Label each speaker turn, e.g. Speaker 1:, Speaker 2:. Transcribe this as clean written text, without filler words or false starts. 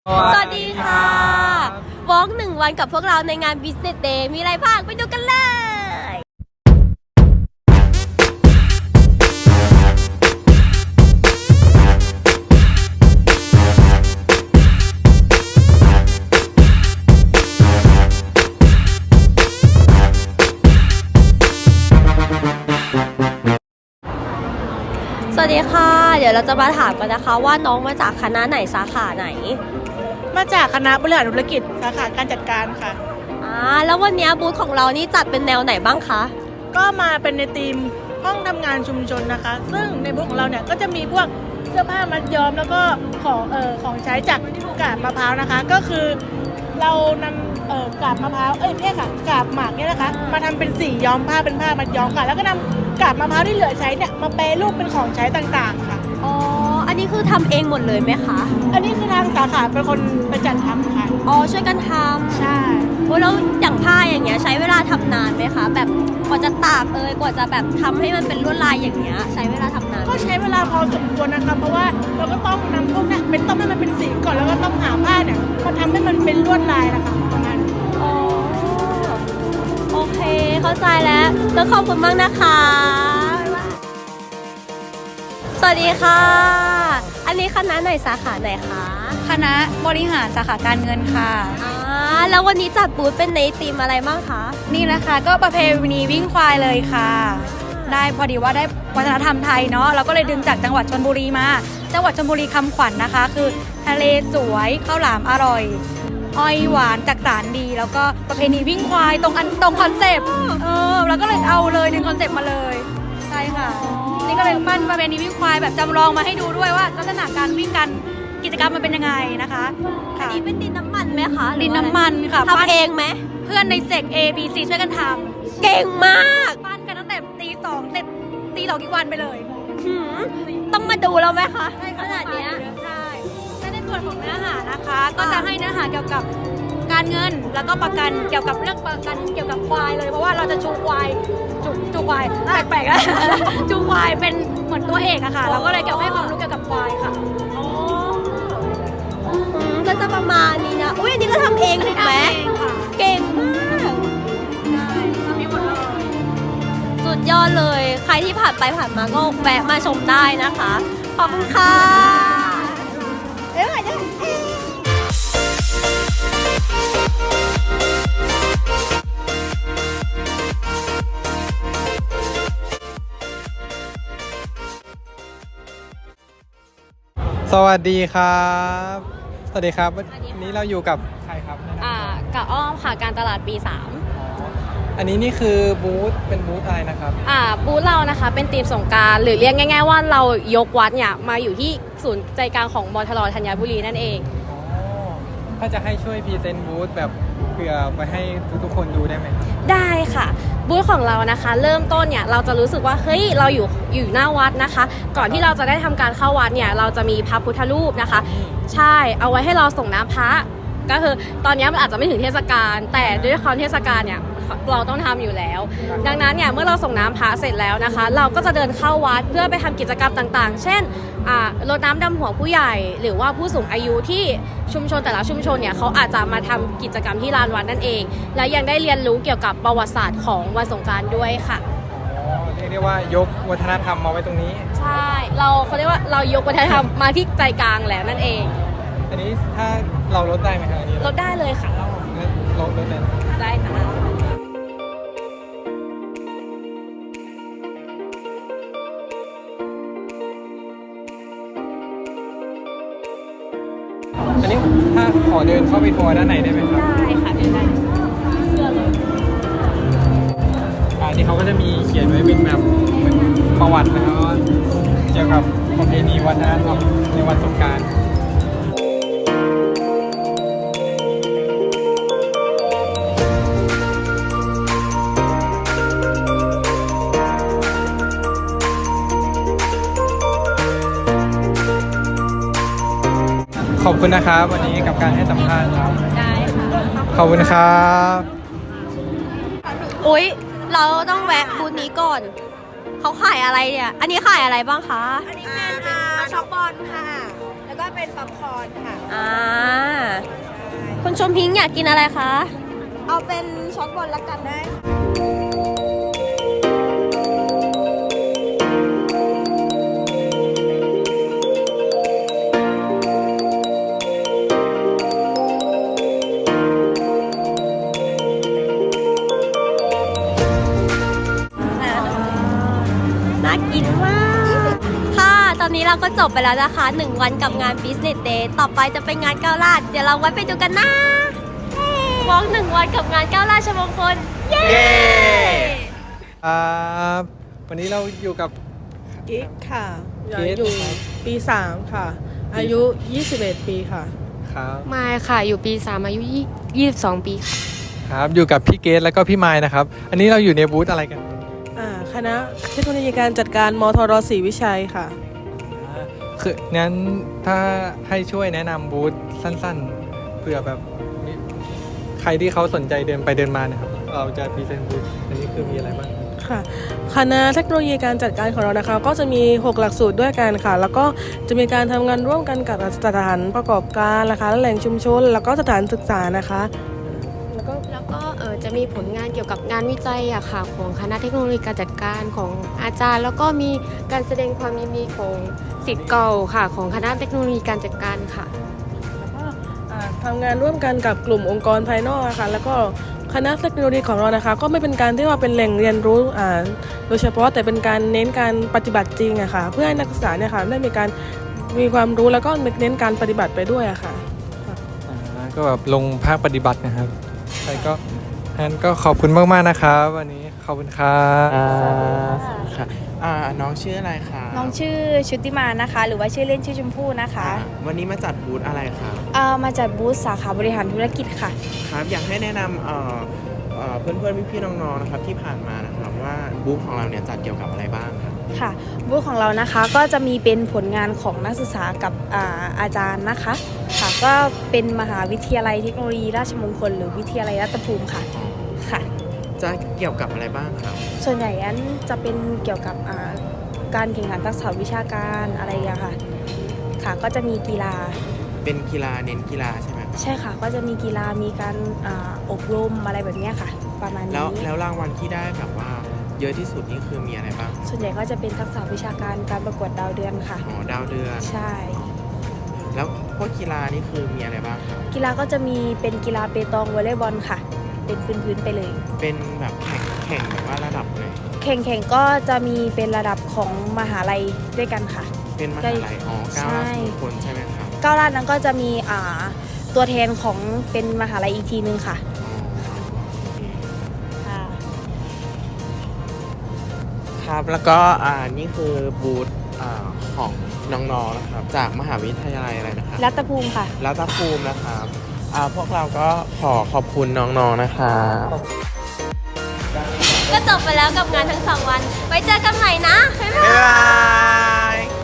Speaker 1: สวัสดีค่ะวอล์ก1 วันกับพวกเราในงาน Business Day มีอะไรบ้างไปดูกันเลย สวัสดีค่ะ เดี๋ยวเราจะมาถามกันนะคะว่าน้องมาจากคณะไหนสาขาไหน
Speaker 2: มาจากคณะบริหารธุรกิจสาขาการจัดการค่ะ
Speaker 1: แล้ววันนี้บูธของเรานี่จัดเป็นแนวไหนบ้างคะ
Speaker 2: ก็มาเป็นในทีมห้องทำงานชุมชนนะคะ ซึ่งในบูธของเราเนี่ยก็จะมีพวกเสื้อผ้ามัดย้อมแล้วก็ของใช้จากกาบมะพร้าวนะคะ ก็คือเรานำกาบมะพร้าวกาบหมากเนี่ยนะคะมาทำเป็นสีย้อมผ้าเป็นผ้ามัดย้อมค่ะแล้วก็นำกาบมะพร้าวที่เหลือใช้เนี่ยมาแปรรูปเป็นของใช้ต่างๆค่ะ
Speaker 1: อ๋อ อันนี้คือทำเองหมดเลยไหมคะ
Speaker 2: อันนี้คือทางสาขาเป็นคนไปจัดทำค่ะ
Speaker 1: อ๋อ ช่วยกันทำ
Speaker 2: ใช่
Speaker 1: โอ้แล้วอย่างผ้าอย่างเงี้ยใช้เวลาทำนานไหมคะ แบบกว่าจะตากกว่าจะแบบทำให้มันเป็นลวดลายอย่างเงี้ยใช้เวลาทำนานไหม
Speaker 2: ก็ใช้เวลาพอสมควรนะคะเพราะว่าเราก็ต้องนำพวกเนี้ยเป็นต้มให้มันเป็นสีก่อนแล้วก็ต้องหาผ้าเนี่ยมาทำให้มันเป็นลวดลายนะคะประมาณนี้
Speaker 1: อ๋อ โอเค เข้าใจแล้วแล้วขอบคุณมากนะคะสวัสดีค่ะ อันนี้คณะไหนสาขาไหนคะ
Speaker 3: คณะบริหารสาขาการเงินค่ะ
Speaker 1: แล้ววันนี้จัดบูธเป็นในธีมอะไรบ้างคะ
Speaker 3: นี่นะคะก็ประเพณีวิ่งควายเลยค่ะ ได้พอดีว่าได้วัฒนธรรมไทยเนาะเราก็เลยดึงจากจังหวัดชลบุรีมา จังหวัดชลบุรีคำขวัญนะคะ คือทะเลสวยข้าวหลามอร่อยอ้อยหวานจักสารดี แล้วก็ประเพณีวิ่งควายตรงคอนเซปต์เราก็เลยเอาเลยดึงคอนเซปต์มาเลยใช่ค่ะนี่ก็เลยปั้นประเพณีวิ่งควายแบบจำลองมาให้ดูด้วยว่าลักษณะการวิ่งกันกิจกรรมมันเป็นยังไงนะคะ
Speaker 1: อันนี้เป็นดินน้ำมันไหมคะ
Speaker 3: ดินน้ำมันค่ะ
Speaker 1: ทำเองไหม
Speaker 3: เพื่อนในเซก A B C ช่วยกันทำ
Speaker 1: เก่งมาก
Speaker 3: ปั้นกันตั้งแต่ตี 2เสร็จตี2อีกวันไปเลย
Speaker 1: ต้องมาดูแล้วไหมคะขนาดเนี้ย
Speaker 3: ใช่และในส่วนของเนื้อหานะคะ ก็จะให้เนื้อหาเกี่ยวกับการเงินแล้วก็ประกันเกี่ยวกับเรื่องประกันเกี่ยวกับควายเลยเพราะว่าเราจะชูควายจูควายแปลกๆนะ จูควายเป็นเหมือนตัวเอกอะค่ะ เราก็เลยเกี่ยวให้ความรู้เกี่ยวกับควายค่ะ
Speaker 1: ก็จะประมาณนี้นะ อุ้ยอันนี้ก็ทำเองถูกไหม
Speaker 3: เองค่ะ
Speaker 1: เก่งมาก
Speaker 3: ใช่ทำเองหมดเลย
Speaker 1: สุดยอดเลย ใครที่ผ่านไปผ่านมาก็แวะมาชมได้นะคะ ขอบคุณค่ะ
Speaker 4: สวัสดีครับ สวัสดีครับ วันนี้เราอยู่กับใครครับ
Speaker 1: กับอ้อมค่ะการตลาดปี
Speaker 4: อันนี้นี่คือบูธเป็นบูธอะไรนะครับ
Speaker 1: 3บูธเรานะคะเป็นทีมสงกรานต์หรือเรียกง่ายๆว่าเรายกวัดเนี่ยมาอยู่ที่ศูนย์ใจกลางของมทรธัญบุรีนั่นเอง
Speaker 4: ถ้าจะให้ช่วยพรีเซนต์บูธแบบเผื่อไปให้ทุกๆคนดูได้ไหมครับ
Speaker 1: ได้ค่ะบูธของเรานะคะเริ่มต้นเนี่ยเราจะรู้สึกว่าเฮ้ยเราอยู่หน้าวัดนะคะ ก่อนที่เราจะได้ทำการเข้าวัดเนี่ยเราจะมีพระพุทธรูปนะคะ ใช่เอาไว้ให้เราส่งน้ำพระก็คือตอนนี้มันอาจจะไม่ถึงเทศกาลแต่ด้วยความเทศกาลเนี่ยเราต้องทำอยู่แล้ว ดังนั้นเนี่ยเมื่อเราส่งน้ำพระเสร็จแล้วนะคะ เราก็จะเดินเข้าวัดเพื่อไปทำกิจกรรมต่างๆ เช่นรดน้ำดำหัวผู้ใหญ่ หรือว่าผู้สูงอายุที่ชุมชนแต่ละชุมชนเนี่ยเขาอาจจะมาทำกิจกรรมที่ลานวัดนั่นเอง และยังได้เรียนรู้เกี่ยวกับประวัติศาสตร์ของวันสงกรานต์ด้วยค่ะ
Speaker 4: เรียกได้ว่ายกวัฒนธรรมมาไว้ตรงนี้
Speaker 1: ใช่เขาเรียกว่าเรายกวัฒนธรรมมาที่ใจกลางแล้วนั่นเอง
Speaker 4: อันนี้ถ้าเราลดได้ไหมครับอันนี้
Speaker 1: ลดได้เลยค่ะ
Speaker 4: ลดได้ไหม
Speaker 1: ได้จ้ะ
Speaker 4: อันนี้ถ้าขอเดินเข้าไปทัวร์ด้านในได้ไหมครับ
Speaker 1: ได้ค่ะได้เสื้อเลย
Speaker 4: อันนี้เขาก็จะมีเขียนไว้เป็นแบบเหมือนประวัตินะครับว่าเกี่ยวกับประเพณีวัฒนธรรมในวันสงกรานต์ ขอบคุณนะครับวันนี้กับการให้สัมภาษณ์ครับ
Speaker 1: ได้ค่ะ
Speaker 4: ขอบคุณครับ
Speaker 1: อุ๊ยเราต้องแวะบูธนี้ก่อน เขาขายอะไรเนี่ย อันนี้ขายอะไรบ้างคะ
Speaker 3: อันนี้เป็นช็อกบอลค่ะแล้วก็ก็เป็นป๊อปคอร์นค่ะ
Speaker 1: คุณชมพิงค์อยากกินอะไรคะ
Speaker 3: เอาเป็นช็อกบอลละกันได้
Speaker 1: น่ากินมาก ค่ะ ตอนนี้เราก็จบไปแล้วนะคะ 1 วันกับงาน Business Day ต่อไปจะเป็นงานก้าวลาดเดี๋ยวเราไว้ไปดูกันนะวอล์ก1 วันกับงานก้าวลาดชมงคล เย้
Speaker 4: วันนี้เราอยู่กับ
Speaker 2: กิ๊กค่ะ
Speaker 4: เกรซ
Speaker 2: อยู่ปี 3 ค่ะ อายุ 21 ปีค่ะ
Speaker 4: ครับ
Speaker 1: มายค่ะ อยู่ปี 3 อายุ 22 ปีค่ะ
Speaker 4: ครับอยู่กับพี่เกสแล้วก็พี่ไมค์นะครับ อันนี้เราอยู่ในบูธอะไรกัน
Speaker 2: คณะเทคโนโลยีการจัดการมทรศรีวิชัยค่ะ
Speaker 4: คืองั้นถ้าให้ช่วยแนะนำบูธสั้นๆเผื่อแบบมีใครที่เขาสนใจเดินไปเดินมานะครับ เราจะพรีเซนต์บูธอันนี้คือมีอะไรบ้าง
Speaker 2: ค่ะคณะเทคโนโลยีการจัดการของเรานะคะก็จะมี 6 หลักสูตรด้วยกันค่ะ แล้วก็จะมีการทำงานร่วมกันกับสถานประกอบการนะคะและแหล่งชุมชน แล้วก็สถานศึกษานะคะ แล้วก็
Speaker 1: แล้วก็จะมีผลงานเกี่ยวกับงานวิจัยอะค่ะของคณะเทคโนโลยีการจัดการของอาจารย์ แล้วก็มีการแสดงความยินดีของศิษย์เก่าค่ะของคณะเทคโนโลยีการจัดการค่ะ
Speaker 2: ทำงานร่วมกันกับกลุ่มองค์กรภายนอกนะคะแล้วก็คณะเทคโนโลยีของเรานะคะ ก็ไม่เป็นการที่ว่าเป็นแหล่งเรียนรู้โดยเฉพาะแต่เป็นการเน้นการปฏิบัติจริงอะค่ะเพื่อให้นักศึกษาเนี่ยค่ะได้มีความรู้แล้วก็เน้นการปฏิบัติไปด้วยอะค่ะ
Speaker 4: ก็แบบลงภาคปฏิบัตินะครับใช่ก็งั้นก็ขอบคุณมากๆนะครับวันนี้ขอบคุณครับ
Speaker 5: ค่ะน้องชื่ออะไรคะ
Speaker 3: น้องชื่อชุติมานะคะ หรือว่าชื่อเล่นชื่อชมพู่นะคะ
Speaker 5: วันนี้มาจัดบูธอะไรคะ
Speaker 3: มาจัดบูธสาขาบริหารธุรกิจค่ะ
Speaker 5: ครับอยากให้แนะนำเพื่อนๆพี่ๆน้องๆนะครับที่ผ่านมานะครับว่าบูธของเราเนี่ยจัดเกี่ยวกับอะไรบ้างครับ
Speaker 3: ค่ะบูธของเรานะคะก็จะมีเป็นผลงานของนักศึกษากับอาจารย์นะคะค่ะก็เป็นมหาวิทยาลัยเทคโนโลยีราชมงคลหรือวิทยาลัยรัตนภูมิค่ะค่ะ
Speaker 5: จะเกี่ยวกับอะไรบ้างครับ
Speaker 3: ส่วนใหญ่นั้นจะเป็นเกี่ยวกับการแข่งขันทักษะวิชาการอะไรอย่างเงี้ยค่ะค่ะก็จะมีกีฬา
Speaker 5: เป็นกีฬาเน้นกีฬาใช่ไหมครับ
Speaker 3: ใช่ค่ะก็จะมีกีฬามีการอบรมอะไรแบบเนี้ยค่ะ ประมาณ
Speaker 5: แล้ว
Speaker 3: นี้
Speaker 5: แล้วรางวัลที่ได้แบบว่าเยอะที่สุดนี่คือมีอะไรบ้าง
Speaker 3: ส่วนใหญ่ก็จะเป็นทักษะวิชาการการประกวดดาวเดือนค่ะ
Speaker 5: อ๋อดาวเดือน
Speaker 3: ใช่
Speaker 5: แล้วพวกกีฬานี่คือมีอะไรบ้างครับ
Speaker 3: กีฬาก็จะมีเป็นกีฬาเปตองวอลเลย์บอลค่ะ เป็นพื้นๆไปเลย
Speaker 5: เป็นแบบแข่งแบบว่าระดับไหน
Speaker 3: แข่งก็จะมีเป็นระดับของมหาลัยด้วยกันค่ะ
Speaker 5: เป็นมหาลัยอ๋อก้าวหน้าสู่คนใช่ไหมครับ
Speaker 3: ก้าวล้านนั้นก็จะมีตัวแทนของเป็นมหาลัยอีกทีนึงค่ะ
Speaker 5: อ๋อ
Speaker 3: ค่ะ
Speaker 5: ครับแล้วก็นี่คือบูธของน้องๆนะครับจากมหาวิทยาลัยอะไรนะครับ
Speaker 3: รัตภูมิค่ะ
Speaker 5: รัตภูมินะครับพวกเราก็ขอบคุณน้องๆนะครับ
Speaker 1: ก็จบไปแล้วกับงานทั้ง 2 วัน ไว้เจอกันใหม่นะ บ๊ายบาย
Speaker 5: บ๊ายบาย